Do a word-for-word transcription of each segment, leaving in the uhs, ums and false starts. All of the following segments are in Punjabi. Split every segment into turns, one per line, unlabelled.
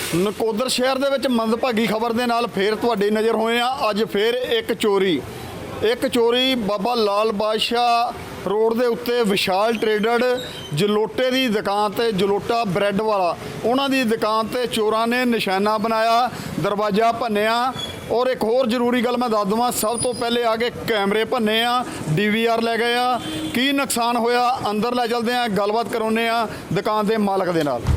ਨਕੋਦਰ ਸ਼ਹਿਰ ਦੇ ਵਿੱਚ ਮੰਦਭਾਗੀ ਖਬਰ ਦੇ ਨਾਲ ਫੇਰ ਤੁਹਾਡੀ ਨਜ਼ਰ ਹੋਏ ਆ। ਅੱਜ ਫੇਰ ਇੱਕ ਚੋਰੀ ਇੱਕ ਚੋਰੀ ਬਾਬਾ ਲਾਲ ਬਾਦਸ਼ਾਹ ਰੋਡ ਦੇ ਉੱਤੇ ਵਿਸ਼ਾਲ ਟ੍ਰੇਡਰ ਜਲੋਟੇ ਦੀ ਦੁਕਾਨ ਤੇ ਜਲੋਟਾ ਬ੍ਰੈਡ ਵਾਲਾ ਉਹਨਾਂ ਦੀ ਦੁਕਾਨ ਤੇ ਚੋਰਾਂ ਨੇ ਨਿਸ਼ਾਨਾ ਬਣਾਇਆ, ਦਰਵਾਜ਼ਾ ਭੰਨਿਆ। ਔਰ ਇੱਕ ਹੋਰ ਜ਼ਰੂਰੀ ਗੱਲ ਮੈਂ ਦੱਸ ਦਵਾਂ, ਸਭ ਤੋਂ ਪਹਿਲੇ ਆ ਕੇ ਕੈਮਰੇ ਭੰਨੇ ਆ, ਡੀ ਵੀ ਆਰ ਲੈ ਗਏ ਆ। ਕੀ ਨੁਕਸਾਨ ਹੋਇਆ ਅੰਦਰ ਲੈ ਚਲਦੇ ਆ, ਗੱਲਬਾਤ ਕਰਾਉਂਦੇ ਆ ਦੁਕਾਨ ਦੇ ਮਾਲਕ ਦੇ ਨਾਲ।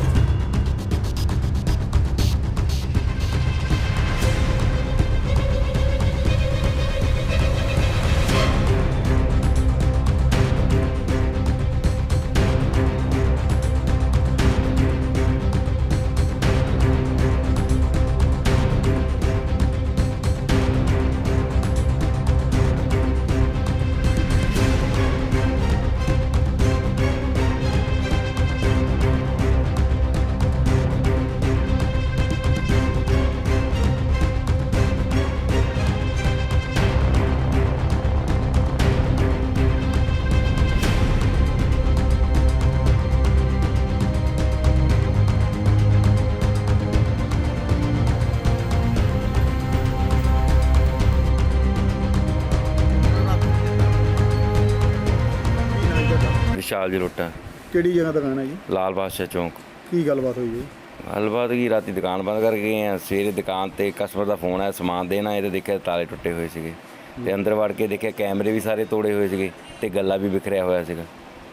विशाल जलोटा
ਕਿਹੜੀ ਜਗ੍ਹਾ ਦੁਕਾਨ ਹੈ ਜੀ?
लाल बादशाह चौंक।
ਕੀ ਗੱਲਬਾਤ ਹੋਈ ਜੀ?
ਗੱਲਬਾਤ ਕੀ, ਰਾਤੀ ਦੁਕਾਨ ਬੰਦ ਕਰ ਗਏ ਆ। ਸਵੇਰੇ ਦੁਕਾਨ ਤੇ ਕਸਟਮਰ ਦਾ ਫੋਨ ਆਇਆ ਸਮਾਨ ਦੇਣ ਆਏ ਤੇ ਦੇਖਿਆ ਤਾਲੇ ਟੁੱਟੇ ਹੋਏ ਸੀਗੇ ਤੇ ਅੰਦਰ ਵੜ ਕੇ ਦੇਖਿਆ ਕੈਮਰੇ ਵੀ ਸਾਰੇ ਤੋੜੇ ਹੋਏ ਸੀਗੇ ਤੇ ਗੱਲਾ ਵੀ ਵਿਖਰਿਆ ਹੋਇਆ ਸੀਗਾ।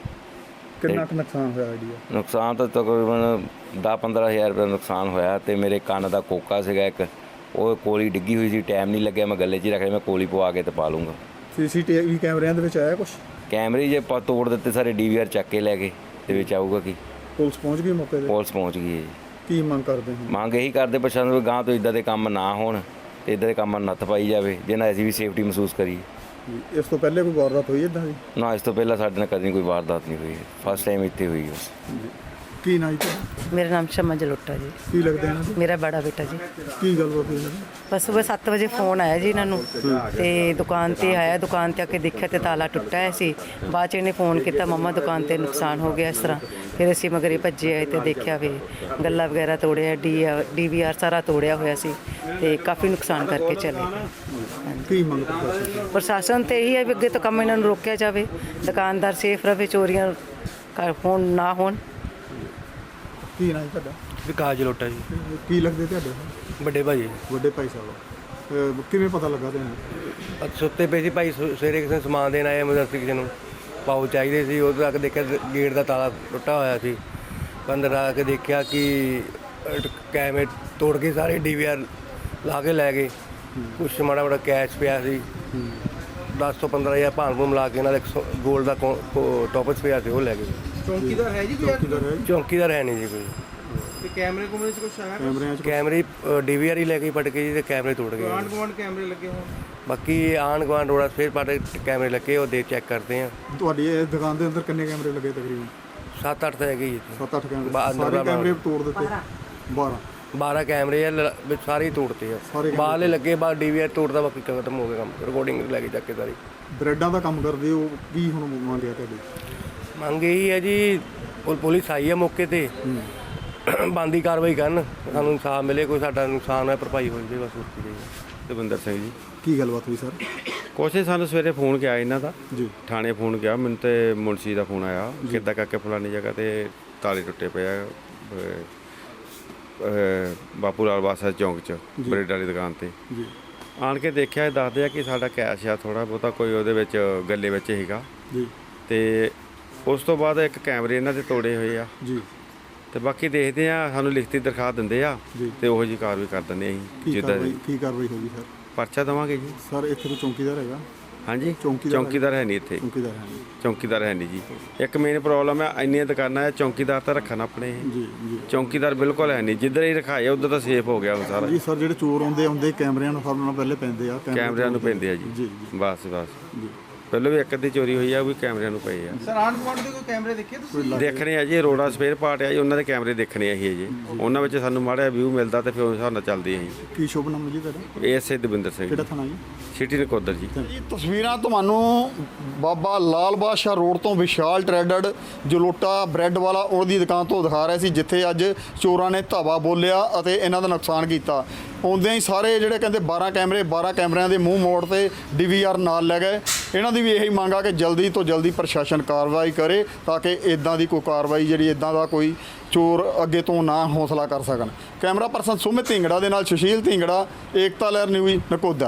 ਕਿੰਨਾ ਕੁ ਨੁਕਸਾਨ ਹੋਇਆ ਆਈਡੀਆ?
ਨੁਕਸਾਨ ਤਾਂ ਤਕਰੀਬਨ ਦਸ ਪੰਦਰਾਂ ਹਜ਼ਾਰ ਰੁਪਏ ਨੁਕਸਾਨ ਹੋਇਆ ਤੇ ਮੇਰੇ ਕੰਨ ਦਾ ਕੋਕਾ ਸੀਗਾ ਇੱਕ, ਉਹ ਕੋਲੀ ਡਿੱਗੀ ਹੋਈ ਸੀ। ਟਾਈਮ ਨਹੀਂ ਲੱਗਿਆ, ਮੈਂ ਗੱਲੇ 'ਚ ਹੀ ਰੱਖ ਲਿਆ। ਮੈਂ ਕੋਲੀ ਪਵਾ ਕੇ ਤੇ ਪਾ ਲੂੰਗਾ।
ਸੀ ਸੀ ਟੀ ਵੀ ਕੈਮਰਿਆਂ ਦੇ ਵਿੱਚ ਆਇਆ ਕੁਛ?
ਕੈਮਰੇ ਜੇ ਆਪਾਂ ਤੋੜ ਦਿੱਤੇ ਸਾਰੇ, ਡੀ ਵੀ ਆਰ ਚੱਕ ਕੇ ਲੈ ਗਏ ਤੇ ਵਿੱਚ ਆਊਗਾ ਕੀ।
ਪੁਲਿਸ ਪਹੁੰਚ ਗਈ ਮੌਕੇ ਤੇ?
ਪੁਲਿਸ ਪਹੁੰਚ ਗਈ ਹੈ ਜੀ।
ਕੀ ਮੰਗ ਕਰਦੇ ਹੋ?
ਮੰਗ ਇਹੀ ਕਰਦੇ ਪ੍ਰਸ਼ਾਸਨ ਵੀ ਗਾਂ ਤੋਂ ਇੱਦਾਂ ਦੇ ਕੰਮ ਨਾ ਹੋਣ ਤੇ ਇੱਦਾਂ ਦੇ ਕੰਮਾਂ ਨੱਥ ਪਾਈ ਜਾਵੇ ਜਿਹਨਾਂ ਅਸੀਂ ਵੀ ਸੇਫਟੀ ਮਹਿਸੂਸ ਕਰੀਏ।
ਇਸ ਤੋਂ ਪਹਿਲੇ ਕੋਈ ਵਾਰਦਾਤ ਹੋਈ ਇੱਦਾਂ ਦੀ?
ਨਾ, ਇਸ ਤੋਂ ਪਹਿਲਾਂ ਸਾਡੇ ਨਾਲ ਕਦੀ ਕੋਈ ਵਾਰਦਾਤ ਨਹੀਂ ਹੋਈ। ਫਸਟ ਟਾਈਮ ਇੱਥੇ ਹੋਈ ਬਸ।
ਕੀ ਨਾਂ ਜੀ ਤੁਹਾਡਾ?
ਮੇਰਾ ਨਾਮ ਸ਼ਮਾ ਜਲੋਟਾ ਜੀ।
ਕੀ ਲੱਗਦਾ ਇਹਨਾਂ ਦਾ?
ਮੇਰਾ ਬੜਾ ਬੇਟਾ ਜੀ।
ਕੀ ਗੱਲਬਾਤ ਹੋਈ ਇਹਨਾਂ ਦੀ?
ਬਸ ਸੁਬਹ ਸੱਤ ਵਜੇ ਫੋਨ ਆਇਆ ਜੀ ਇਹਨਾਂ ਨੂੰ ਤੇ ਦੁਕਾਨ ਤੇ ਆਇਆ। ਦੁਕਾਨ ਤੇ ਆ ਕੇ ਦੇਖਿਆ ਤੇ ਤਾਲਾ ਟੁੱਟਾ ਹੋਇਆ ਸੀ। ਬਾਅਦ ਚ ਇਹਨੇ ਫੋਨ ਕੀਤਾ, ਮੰਮਾ ਦੁਕਾਨ ਤੇ ਨੁਕਸਾਨ ਹੋ ਗਿਆ ਇਸ ਤਰ੍ਹਾਂ। ਫਿਰ ਅਸੀਂ ਮਗਰੇ ਭੱਜੇ ਆਏ ਤੇ ਦੇਖਿਆ ਵੀ ਗੱਲਾ ਵਗੈਰਾ ਤੋੜਿਆ, ਡੀ ਡੀ ਵੀ ਆਰ ਸਾਰਾ ਤੋੜਿਆ ਹੋਇਆ ਸੀ ਤੇ ਕਾਫੀ ਨੁਕਸਾਨ ਕਰਕੇ ਚਲੇ ਗਏ।
ਕੀ ਮੰਗ ਕਰਦੇ?
ਪ੍ਰਸ਼ਾਸਨ ਤੇ ਇਹੀ ਹੈ ਵੀ ਅੱਗੇ ਤੋਂ ਕੰਮ ਇਹਨਾਂ ਨੂੰ ਰੋਕਿਆ ਜਾਵੇ, ਦੁਕਾਨਦਾਰ ਸੇਫ ਰਹੇ, ਚੋਰੀਆਂ ਕਰ ਹੋਣ ਨਾ ਹੋਣ।
ਕੀ ਨਾਂ ਜੀ ਤੁਹਾਡਾ?
ਵਿਕਾਸ ਜਲੋਟਾ ਜੀ।
ਕੀ ਲੱਗਦੇ ਤੁਹਾਡੇ?
ਵੱਡੇ ਭਾਈ
ਵੱਡੇ ਭਾਈ ਸਾਹਿਬ। ਅਹ ਕਿਵੇਂ ਪਤਾ ਲੱਗਾ ਤੁਹਾਨੂੰ?
ਅੱਜ ਸੁੱਤੇ ਪਏ ਸੀ ਭਾਈ, ਸਵੇਰੇ ਕਿਸੇ ਨੂੰ ਸਮਾਨ ਦੇਣ ਆਏ, ਐਮਰਜੈਂਸੀ ਕਿਸੇ ਨੂੰ ਪਾਉ ਚਾਹੀਦੇ ਸੀ। ਉਦੋਂ ਤੱਕ ਦੇਖਿਆ ਗੇਟ ਦਾ ਤਾਲਾ ਟੁੱਟਾ ਹੋਇਆ ਸੀ। ਅੰਦਰ ਆ ਕੇ ਦੇਖਿਆ ਕਿ ਕੈਮਰੇ ਤੋੜ ਕੇ ਸਾਰੇ ਡੀ ਵੀ ਆਰ ਲਾ ਕੇ ਲੈ ਗਏ। ਕੁਛ ਮਾੜਾ ਮਾੜਾ ਕੈਸ਼ ਪਿਆ ਸੀ, ਦਸ ਤੋਂ ਪੰਦਰਾਂ ਹਜ਼ਾਰ ਭਾਣ ਭੂਣ ਮਿਲਾ ਕੇ ਨਾਲ ਇੱਕ ਗੋਲਡ ਦਾ ਟੋਪਸ ਪਿਆ ਸੀ, ਉਹ ਲੈ ਗਏ।
ਚੌਂਕੀਦਾਰ ਹੈ ਜੀ?
ਚੌਕੀਦਾਰ ਹੈ?
ਚੌਂਕੀਦਾਰ ਹੈ ਨਹੀਂ ਜੀ ਕੋਈ।
ਤੇ ਕੈਮਰੇ ਕੁਮਰੇ 'ਚ ਕੁਛ ਆਇਆ?
ਕੈਮਰਿਆਂ 'ਚ
ਕੈਮਰੇ ਡੀ ਵੀ ਆਰ ਹੀ ਲੈ ਕੇ ਪਟ ਕੇ ਜੀ ਤੇ ਕੈਮਰੇ ਤੋੜ ਗਏ।
ਆਂਢ ਗੁਆਂਢ ਕੈਮਰੇ ਲੱਗੇ ਹੋਣ?
ਬਾਕੀ ਆਂਢ ਗੁਆਂਢ ਰੋੜਾ ਫਿਰ ਪਟ ਕੈਮਰੇ ਲੱਗੇ, ਉਹ ਦੇ ਚੈੱਕ ਕਰਦੇ ਆ।
ਤੁਹਾਡੀ ਇਹ ਦੁਕਾਨ ਦੇ ਅੰਦਰ ਕਿੰਨੇ ਕੈਮਰੇ ਲੱਗੇ ਤਕਰੀਬਨ?
ਸੱਤ ਅੱਠ ਤਾਂ ਹੈਗੇ ਜੀ।
ਸੱਤ ਅੱਠ ਕੈਮਰੇ?
ਬਾ- ਅੰਦਰ
ਸਾਰੇ
ਦਾ
ਕੈਮਰੇ ਤੋੜ ਦਿੱਤੇ? ਬਾਰਾਂ?
ਬਾਰਾਂ ਕੈਮਰੇ ਆ, ਲ- ਵਿੱਚ ਸਾਰੇ ਹੀ ਤੋੜਤੇ ਆ।
ਸਾਰੇ ਕੈਮਰੇ
ਬਾਹਰਲੇ ਲੱਗੇ, ਬਾਹਰ ਡੀ ਵੀ ਆਰ ਤੋੜਦਾ, ਬਾਕੀ ਖਤਮ ਹੋ ਗਿਆ ਕੰਮ। ਰਿਕਾਰਡਿੰਗ ਲੈ ਕੇ ਚੱਕ ਕੇ ਸਾਰੀ।
ਬ੍ਰੈਡਾਂ ਦਾ ਕੰਮ ਕਰਦੇ ਹੋ, ਕੀ ਹੁਣ ਮੰਗਿਆ ਤੁਹਾਡੀ?
ਮੰਗ ਇਹੀ ਹੈ ਜੀ, ਪੁਲ- ਪੁਲਿਸ ਆਈ ਹੈ ਮੌਕੇ ਤੇ, ਬੰਦੀ ਕਾਰਵਾਈ ਕਰਨ, ਸਾਨੂੰ ਇਨਸਾਫ ਮਿਲੇ, ਕੋਈ ਸਾਡਾ ਨੁਕਸਾਨ ਹੋਇਆ ਭਰਪਾਈ ਹੋ ਜਾਵੇ ਬਸ। ਹੋਰ ਕੀ ਚਾਹੀਦਾ।
ਦਵਿੰਦਰ ਸਿੰਘ ਜੀ।
ਕੀ ਗੱਲਬਾਤ ਹੋਈ ਸਰ?
ਕੁਛ ਨਹੀਂ, ਸਾਨੂੰ ਸਵੇਰੇ ਫੋਨ ਗਿਆ ਇਹਨਾਂ ਦਾ
ਜੀ।
ਥਾਣੇ ਫੋਨ ਗਿਆ ਮੈਨੂੰ ਤੇ ਮੁਨਸ਼ੀ ਦਾ ਫੋਨ ਆਇਆ, ਕਿੱਦਾਂ ਕਰਕੇ ਫਲਾਨੀ ਜਗ੍ਹਾ ਤੇ ਤਾਲੇ ਟੁੱਟੇ ਪਏ ਆ ਅਹ, ਅਹ, ਬਾਪੂ ਲਾਲ ਬਾਦਸ਼ਾਹ ਚੌਂਕ 'ਚ ਬ੍ਰੈਡ ਵਾਲੀ ਦੁਕਾਨ ਤੇ।
ਜੀ।
ਆਣ ਕੇ ਦੇਖਿਆ, ਇਹ ਦੱਸਦੇ ਆ ਕਿ ਸਾਡਾ ਕੈਸ਼ ਆ ਥੋੜ੍ਹਾ ਬਹੁਤਾ ਕੋਈ ਉਹਦੇ ਵਿੱਚ ਗੱਲੇ ਵਿੱਚ ਸੀਗਾ।
ਜੀ।
ਤੇ ਉਸ ਤੋਂ ਬਾਅਦ ਇੱਕ ਕੈਮਰੇ ਇਹਨਾਂ ਦੇ ਤੋੜੇ ਹੋਏ ਆ
ਜੀ।
ਤੇ ਬਾਕੀ ਦੇਖਦੇ ਆ, ਸਾਨੂੰ ਲਿਖਤੀ ਦਰਖਾਸਤ ਦਿੰਦੇ ਆ
ਜੀ।
ਤੇ ਉਹੋ ਜਿਹੀ ਕਾਰਵਾਈ ਕਰ ਦਿੰਦੇ ਅਸੀਂ
ਕੀ
ਜਿੱਦਾਂ
ਕਾਰਵਾਈ ਕੀ ਕਾਰਵਾਈ ਹੋਗੀ ਸਰ?
ਪਰਚਾ ਦੇਵਾਂਗੇ ਜੀ।
ਸਰ ਇੱਥੇ ਕੋਈ ਚੌਂਕੀਦਾਰ ਹੈਗਾ?
ਹਾਂਜੀ,
ਚੌਂਕੀਦਾਰ
ਚੌਂਕੀਦਾਰ ਹੈ ਨਹੀਂ ਇੱਥੇ।
ਚੌਂਕੀਦਾਰ ਹੈ ਨਹੀਂ?
ਚੌਂਕੀਦਾਰ ਹੈ ਨਹੀਂ ਜੀ। ਇੱਕ ਮੇਨ ਪ੍ਰੋਬਲਮ ਹੈ, ਇੰਨੀਆਂ ਦੁਕਾਨਾਂ ਹੈ, ਚੌਂਕੀਦਾਰ ਤਾਂ ਰੱਖਣ ਆਪਣੇ।
ਜੀ। ਜੀ।
ਚੌਂਕੀਦਾਰ ਬਿਲਕੁਲ ਹੈ ਨਹੀਂ, ਜਿੱਧਰ ਹੀ ਰਖਾਏ ਉਧਰ ਤਾਂ ਸੇਫ ਹੋ ਗਿਆ ਹੁਣ ਸਾਰਾ।
ਜੀ ਸਰ, ਜਿਹੜੇ ਚੋਰ ਆਉਂਦੇ ਆਉਂਦੇ ਕੈਮਰਿਆਂ ਨੂੰ ਫੜਨ ਨਾਲ ਪਹਿਲੇ ਪੈਂਦੇ ਆ?
ਕੈਮਰਿਆਂ ਨੂੰ ਪੈਂਦੇ ਆ ਜੀ।
ਜੀ।
ਬਸ ਬਸ
ਜੀ।
ਪਹਿਲਾਂ ਵੀ ਇੱਕ ਅੱਧੀ ਚੋਰੀ ਹੋਈ ਆ, ਉਹ ਵੀ ਕੈਮਰਿਆਂ ਨੂੰ ਪਏ ਆ।
ਸਰ ਆਂਢ ਗੁਆਂਢ ਦੇ ਕੋਈ ਕੈਮਰੇ ਦੇਖੇ ਤੁਸੀਂ?
ਦੇਖਣੇ ਆ ਜੀ, ਰੋੜਾ ਸਪੇਅਰ ਪਾਰਟ ਆ ਜੀ, ਉਹਨਾਂ ਦੇ ਕੈਮਰੇ ਦੇਖਣੇ ਆ ਜੀ ਜੀ ਉਹਨਾਂ ਵਿੱਚ ਸਾਨੂੰ ਮਾੜਾ ਵਿਊ ਮਿਲਦਾ ਤੇ ਫਿਰ ਉਸ ਹਿਸਾਬ ਨਾਲ ਚੱਲਦੇ ਆ ਜੀ।
ਕੀ ਸ਼ੁਭ ਨਾਮ ਜੀ ਤੁਹਾਡਾ?
ਏਐਸਏ ਦਵਿੰਦਰ ਸਿੰਘ,
ਕਿਹੜਾ ਥਾਣਾ ਜੀ?
ਸਿਟੀ ਨਕੋਦਰ ਜੀ।
ਇਹ ਤਸਵੀਰਾਂ ਤੁਹਾਨੂੰ ਬਾਬਾ ਲਾਲ ਬਾਦਸ਼ਾਹ ਰੋਡ ਤੋਂ ਵਿਸ਼ਾਲ ਟ੍ਰੇਡਡ ਜਲੋਟਾ ਬ੍ਰੈਡ ਵਾਲਾ ਉਹਦੀ ਦੁਕਾਨ ਤੋਂ ਦਿਖਾ ਰਹੇ ਸੀ, ਜਿੱਥੇ ਅੱਜ ਚੋਰਾਂ ਨੇ ਧਾਵਾ ਬੋਲਿਆ ਅਤੇ ਇਹਨਾਂ ਦਾ ਨੁਕਸਾਨ ਕੀਤਾ। ਆਉਂਦਿਆਂ ਹੀ ਸਾਰੇ ਜਿਹੜੇ ਕਹਿੰਦੇ ਬਾਰਾਂ ਕੈਮਰੇ ਬਾਰਾਂ ਕੈਮਰਿਆਂ ਦੇ ਮੂੰਹ ਮੋੜ ਤੇ ਡੀਵੀਆਰ ਨਾਲ ਲੈ ਗਏ। ਇਹਨਾਂ ਦੀ ਵੀ ਇਹੀ ਮੰਗ ਆ ਕਿ ਜਲਦੀ ਤੋਂ ਜਲਦੀ ਪ੍ਰਸ਼ਾਸਨ ਕਾਰਵਾਈ ਕਰੇ ਤਾਂ ਕਿ ਇਦਾਂ ਦੀ ਕੋਈ ਕਾਰਵਾਈ ਜਿਹੜੀ ਇਦਾਂ ਦਾ ਕੋਈ ਚੋਰ ਅੱਗੇ ਤੋਂ ਨਾ ਹੌਸਲਾ ਕਰ ਸਕਣ। ਕੈਮਰਾ ਪਰਸਨ ਸੁਮਿਤ ਢਿੰਗੜਾ ਦੇ ਨਾਲ ਸੁਸ਼ੀਲ ਢਿੰਗੜਾ, ਏਕਤਾ ਲਹਿਰ ਨਿਊਜ਼ ਨਕੋਦਰ।